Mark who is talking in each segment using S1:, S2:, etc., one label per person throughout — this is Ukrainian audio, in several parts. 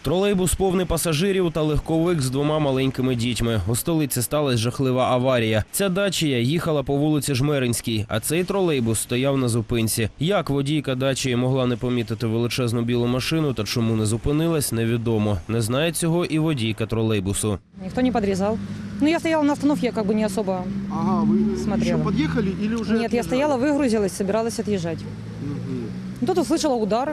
S1: Тролейбус повний пасажирів та легковик з двома маленькими дітьми. У столиці сталася жахлива аварія. Ця дачія їхала по вулиці Жмеринській, а цей тролейбус стояв на зупинці. Як водійка дачії могла не помітити величезну білу машину та чому не зупинилась, невідомо. Не знає цього і водійка тролейбусу.
S2: Никто не подрезал. Ну, я стояла на остановке, я как бы не особо смотрела.
S3: Еще подъехали или уже
S2: Нет, я
S3: отъезжали?
S2: стояла, выгрузилась, собиралась отъезжать. Тут услышала удар.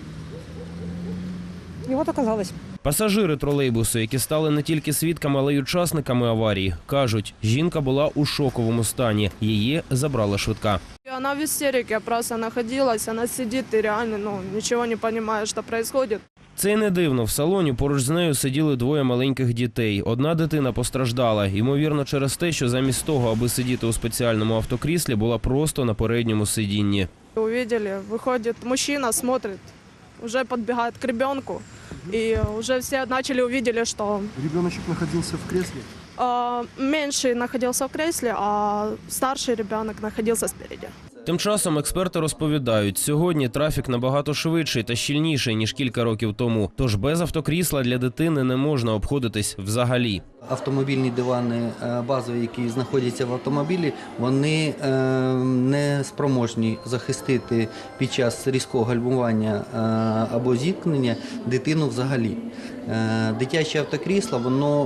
S2: И вот оказалось.
S1: Пасажири тролейбусу, які стали не тільки свідками, але й учасниками аварії, кажуть, жінка була у шоковому стані. Її забрала швидка.
S4: Она в истерике просто находилась, она сидит и реально ничего не понимает, что происходит.
S1: Це й не дивно. В салоні поруч з нею сиділи двоє маленьких дітей. Одна дитина постраждала. Ймовірно, через те, що замість того, аби сидіти у спеціальному автокріслі, була просто на передньому сидінні.
S4: Увидели, выходит мужчина, смотрит, уже подбегает к ребенку. И уже все увидели, что
S3: Ребеночек находился в кресле?
S4: меньший находился в кресле, а старший ребенок находился спереди.
S1: Тим часом експерти розповідають, сьогодні трафік набагато швидший та щільніший, ніж кілька років тому. Тож без автокрісла для дитини не можна обходитись взагалі.
S5: Автомобільні дивани базові, які знаходяться в автомобілі, вони не спроможні захистити під час різкого гальмування або зіткнення дитину взагалі. Дитяче автокрісло, воно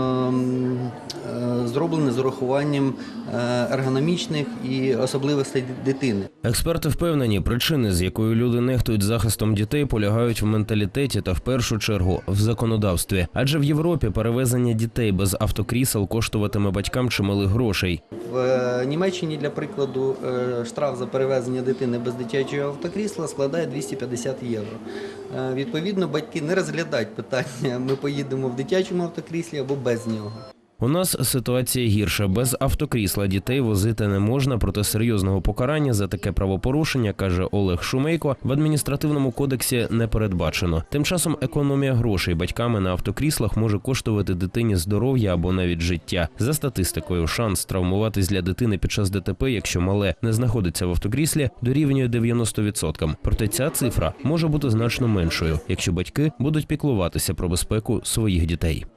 S5: зроблене з урахуванням ергономічних і особливостей дитини.
S1: Експерти впевнені, причини, з якою люди нехтують захистом дітей, полягають в менталітеті та в першу чергу в законодавстві. Адже в Європі перевезення дітей без автокрісел коштуватиме батькам чималих грошей.
S5: В Німеччині, для прикладу, штраф за перевезення дитини без дитячого автокрісла складає 250 євро. Відповідно, батьки не розглядають питання, ми поїдемо в дитячому автокріслі або без нього.
S1: У нас ситуація гірша. Без автокрісла дітей возити не можна, проте серйозного покарання за таке правопорушення, каже Олег Шумейко, в адміністративному кодексі не передбачено. Тим часом економія грошей батьками на автокріслах може коштувати дитині здоров'я або навіть життя. За статистикою, шанс травмуватись для дитини під час ДТП, якщо мале не знаходиться в автокріслі, дорівнює 90%. Проте ця цифра може бути значно меншою, якщо батьки будуть піклуватися про безпеку своїх дітей.